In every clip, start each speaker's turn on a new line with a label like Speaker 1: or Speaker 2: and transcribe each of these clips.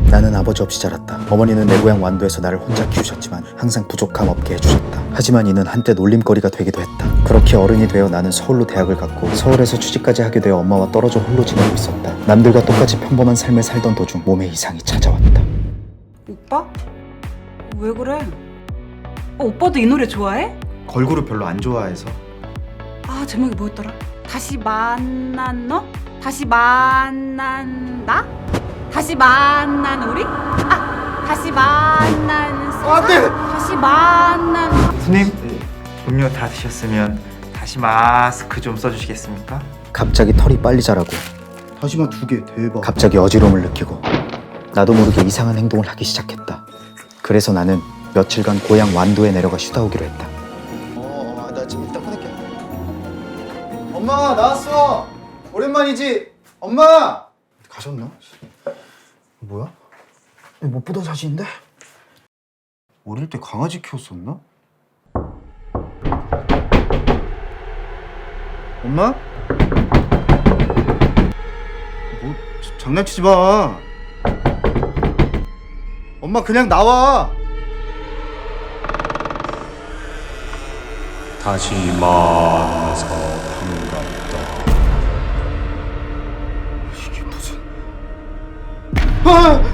Speaker 1: 나는 아버지 없이 자랐다. 어머니는 내 고향 완도에서 나를 혼자 키우셨지만 항상 부족함 없게 해주셨다. 하지만 이는 한때 놀림거리가 되기도 했다. 그렇게 어른이 되어 나는 서울로 대학을 갔고 서울에서 취직까지 하게 되어 엄마와 떨어져 홀로 지내고 있었다. 남들과 똑같이 평범한 삶을 살던 도중 몸에 이상이 찾아왔다.
Speaker 2: 오빠? 왜 그래? 오빠도 이 노래 좋아해?
Speaker 1: 걸그룹 별로 안 좋아해서.
Speaker 2: 아, 제목이 뭐였더라? 다시 만난 너? 다시 만난 나? 다시 만난 우리? 아, 다시 만난 세상?
Speaker 1: 안 돼!
Speaker 2: 다시 만난
Speaker 3: 손님, 음료 다 드셨으면 다시 마스크 좀 써주시겠습니까?
Speaker 1: 갑자기 털이 빨리 자라고
Speaker 4: 다시마 2개 대박.
Speaker 1: 갑자기 어지러움을 느끼고 나도 모르게 이상한 행동을 하기 시작했다. 그래서 나는 며칠간 고향 완도에 내려가 쉬다 오기로 했다.
Speaker 4: 나 지금 이따 끊을게. 엄마 나왔어. 오랜만이지. 엄마. 가셨나? 뭐야? 이거 못 보던 사진인데? 어릴 때 강아지 키웠었나? 엄마? 뭐 장난치지 마. 엄마 그냥 나와.
Speaker 5: 다시 만나서 반갑다.
Speaker 4: 이게 무슨? 아!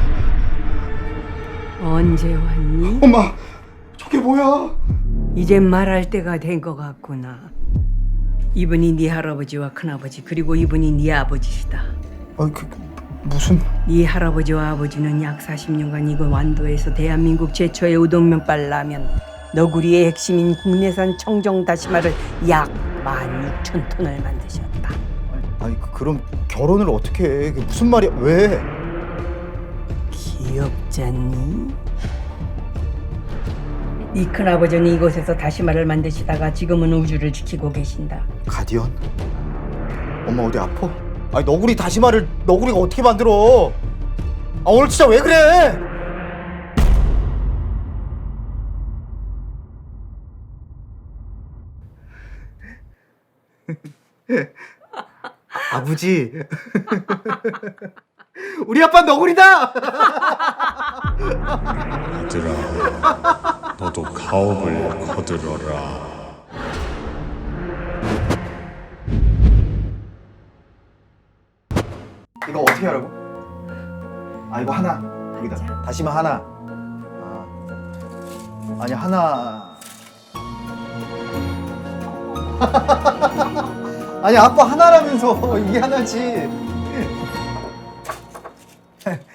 Speaker 6: 언제 왔니?
Speaker 4: 엄마, 저게 뭐야?
Speaker 6: 이젠 말할 때가 된 것 같구나. 이분이 네 할아버지와 큰아버지 그리고 이분이 네 아버지시다.
Speaker 4: 무슨?
Speaker 6: 네 할아버지와 아버지는 약 40년간 이곳 완도에서 대한민국 최초의 우동면발 라면 너구리의 핵심인 국내산 청정 다시마를 약 16,000톤을 만드셨다.
Speaker 4: 아니 그럼 결혼을 어떻게 해? 그게 무슨 말이야? 왜?
Speaker 6: 귀엽잖니? 네 큰아버지는 이곳에서 다시마를 만드시다가 지금은 우주를 지키고 계신다.
Speaker 4: 가디언? 엄마 어디 아파? 아니 너구리 다시마를 너구리가 어떻게 만들어? 아 오늘 진짜 왜 그래? 아버지 우리 아빠 너구리다!
Speaker 5: 얘들아, 너도 가업을 거들어라.
Speaker 4: 이거 어떻게 하라고? 아 이거 하나 여기다 다시마 하나. 아니 하나. 아니 아빠 하나라면서 이게 하나지.